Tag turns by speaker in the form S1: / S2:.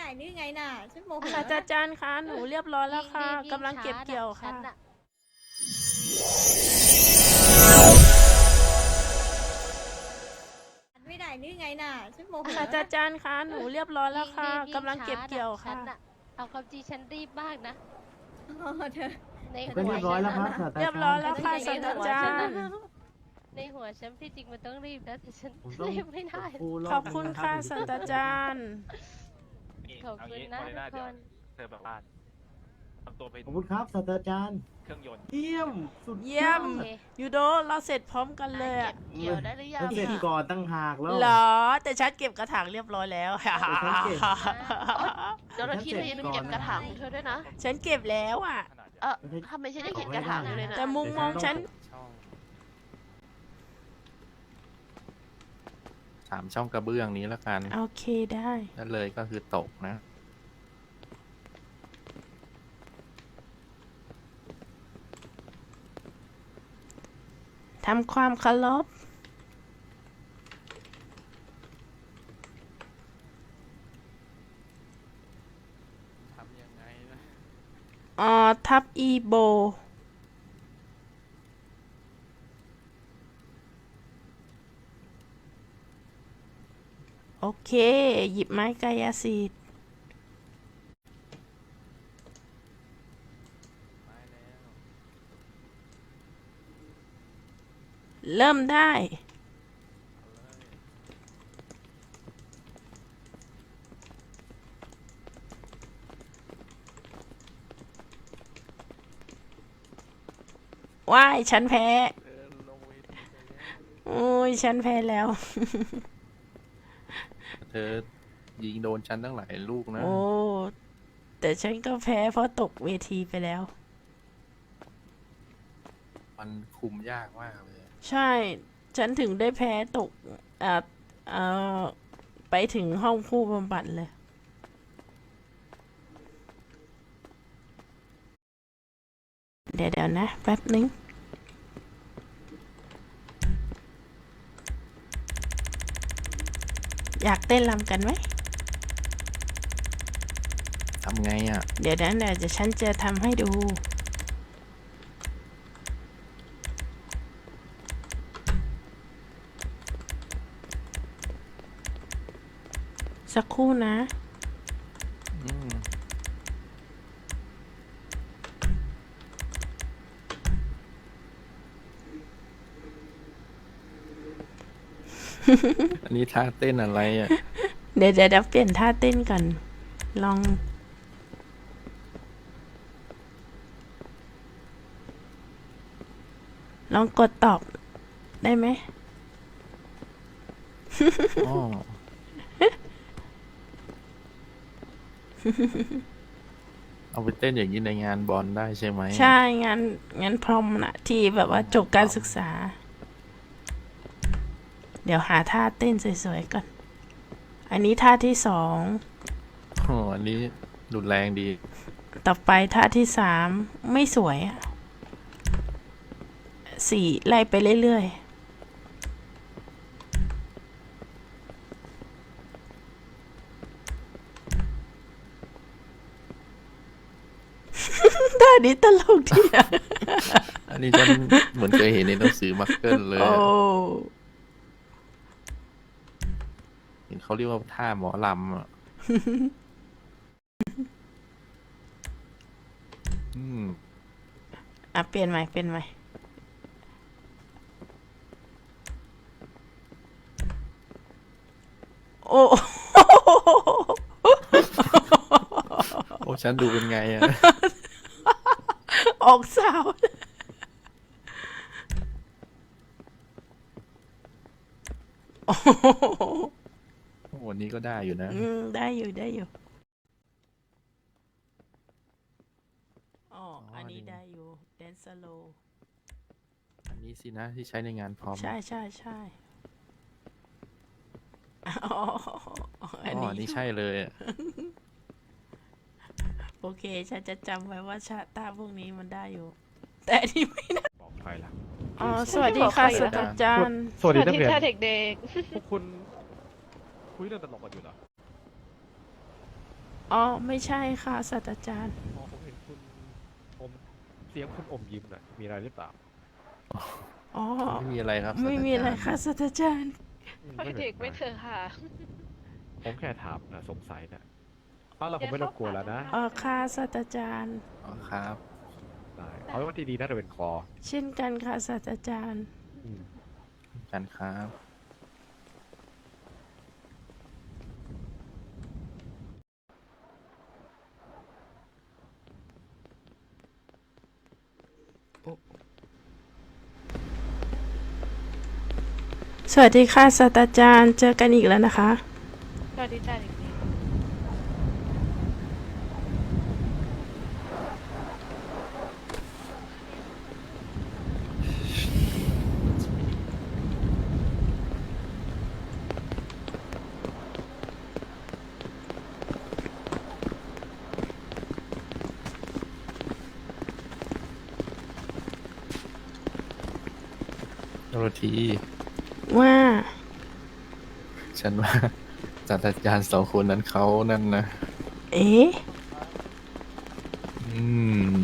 S1: นี่ไงน่ะฉันโมโห
S2: ศาสตราจารย์คะหนูเรียบร้อยแล้วค่ะ
S3: ยิ่ง
S2: กำลังเก็บเกี่ยวค่ะ
S3: ฉันน่
S1: ไม่ได้นี่ไงน่ะฉันโมโห
S2: ศาสตราจารย์คะหนูเรียบร้อยแล้วค่ะ
S3: ยิ่ง
S2: กำลังเก็บเกี่ยวค่ะ
S3: ฉันน่เอาความจริงฉันรีบมากนะ
S1: เธอ
S3: ใน
S4: ก็
S3: หัว
S4: เรียบร้อยแล้วครับ
S3: ฉัน
S4: ศาสตรา
S2: เรียบ
S4: จาร
S2: ร้อย
S4: ย์
S2: แล้วค่ะศาสตราจารย์
S3: ในหัวฉันที่จริงมันต้องรีบนะแต่ฉัน
S4: ผมต้อง
S3: รีบไม่ได้
S2: ขอบคุณค่ะศาสตราจารย์
S3: ขอบคุณนะทุกคน
S5: เธอแบบว่าทำตัวเป็น
S4: ขอบคุณครับศาสตราจารย์
S5: เครื่องยนต์
S4: เยี่ยมสุด
S2: เยี่ยม
S3: โอเค
S2: ยูโดเราเสร็จพร้อมกันเลย
S3: เก็
S2: อะ
S3: บเกี่ยวได้หรือยัง
S4: แล้วเสร็จ
S3: อะ
S4: ก่อนตั้งหากแล้ว
S2: เหรอ แต่ฉันเก็บกระถางเรียบร้อยแล้ว
S6: เจ้าหน้าที่เธออย่าลืมเก็บกระถางของเธอด้วยนะ
S2: ฉันเก็บแล้วอ่ะ
S5: ขนาดใหญ่
S6: ทำไมฉันยังเห็นกระถางอยู่เลยนะ
S2: แต่มุมมองฉัน
S5: ช่อง
S7: 3 ช่องกระเบื้องนี้แล้วกัน
S2: โอเคได้
S7: นั่นเลยก็คือตกนะ
S2: ทำความเคารพ
S7: ทำยังไงนะ
S2: ทับอีโบ โอเค หยิบไม้กายสิทธิ์
S7: ไม่แล้ว
S2: เริ่มได้ ว้าย ฉันแพ้
S7: เธอลงเวทีไปแล้ว
S2: โอ้ย ฉันแพ้แล้ว
S7: เธอยิงโดนฉันตั้งหลายลูกนะ
S2: โอ้ แต่ฉันก็แพ้เพราะตกเวทีไปแล้ว
S7: มันคุมยากมากเลย
S2: ใช่ ฉันถึงได้แพ้ตกอ่าเอ่อไปถึงห้องผู้บำบัดเลย เดี๋ยวนะ แป๊บนึง อยากเต้นรำกันไหม
S7: ทำไงอ่ะ
S2: เดี๋ยวนั้นเดี๋ยวฉันจะทำให้ดู สักครู่นะ
S7: อืม อันนี้ท่าเต้นอะไรอ่ะ
S2: เดี๋ยวเปลี่ยนท่าเต้นก่อน ลอง ลองกดตอบได้ไหม
S7: อ๋อ เอาไปเต้นอย่างนี้ในงานบอลได้ใช่ไหม
S2: ใช่งั้นพรอมนะที่แบบว่าจบการศึกษา เดี๋ยวหาท่าเต้นสวยๆก่อน อันนี้ท่าที่สอง
S7: โอ้อันนี้รุนแรงดี
S2: ต่อไปท่าที่สามไม่สวยอ่ะสี่ไล่ไปเรื่อยๆ ท่านี้ตลกดีอ่ะ
S7: อันนี้ฉันเหมือนเคยเห็นในหนังสือมักเกิลเลย
S2: โอ้
S7: อะเห็นเขาเรียกว่าท่าหมอลำอ่ะ อืม
S2: อ่ะเปลี่ยนใหม่ โอ้
S7: โอ้ฉันดูเป็นไงอ่ะ
S2: ออกสาว โอ้โห
S7: วันนี้ก็ได้อยู่นะ
S2: ได้อยู่อ๋ออันนี้ได้อยู่แดนสโล
S7: อันนี้สินะที่ใช้ในงานพร้อม
S2: ใช่อ๋ออัน
S7: อ๋อ
S2: นี้
S7: อันนี้ใช่เลยอะ
S2: โอเค ฉันจะจำไว้ว่าชาตาพวกนี้มันได้อยู่ แต่อันนี้ไม่ได้
S5: บอกใครล่ะ
S2: อ๋อ สวัสดีค่ะศาสตราจารย์
S8: สวัสดีนักเรียน
S6: ค่ะเด็ก
S8: พวกคุณคุยเรื่องตลกกันอยู่เหรอ
S5: คุยเรื่องตลกกันอยู่เหรอ
S6: ๆ
S5: คุยเรื่องตลกกันอยู่เหรอ
S6: ๆ
S5: คุยเรื่องตลกกันอยู่เหรอ
S8: พวกคุณคุยเรื่องตลกกันอยู่เหรอ
S5: คุยเรื่องตลกกันอยู่เหรอ
S8: คุยเรื่องตลกกันอยู่เหรอ
S2: อ๋อไม่ใช่ค่ะศาสตราจารย์
S8: อ๋อผมเห็นคุณอมเสียงคุณอมยิ้มน่ะมีอะไรหรือเปล่า
S2: อ๋อ
S7: ไม่มีอะไรครับ
S2: ไม่มีอะไร
S7: ศาสตาจาย์
S2: ค่ะศาสตราจารย์
S6: ปล่อยเด็กไม่เถอะค่ะ
S8: ผมแค่ถามนะสงสัยนะเอาแล้วผมไม่รบกวนแล้วนะ
S2: ค่ะศาสตราจารย์
S7: อ๋อครับ
S8: ได้เอาไว้วันที่ดีนะเดเป็นคอ
S2: เช่นกันค่ะศาสตราจารย์
S8: อืม
S7: กันครับ
S2: สวัสดีค่ะศาสตราจารย์ เจอกันอีกแล้วนะคะ
S6: สวัสดีจ้าเด็ก
S7: โรที
S2: ว่า
S7: ฉันว่าศาสตราจารย์สองคนนั้นเขานั่นนะ
S2: เอ๊ะ
S7: อืม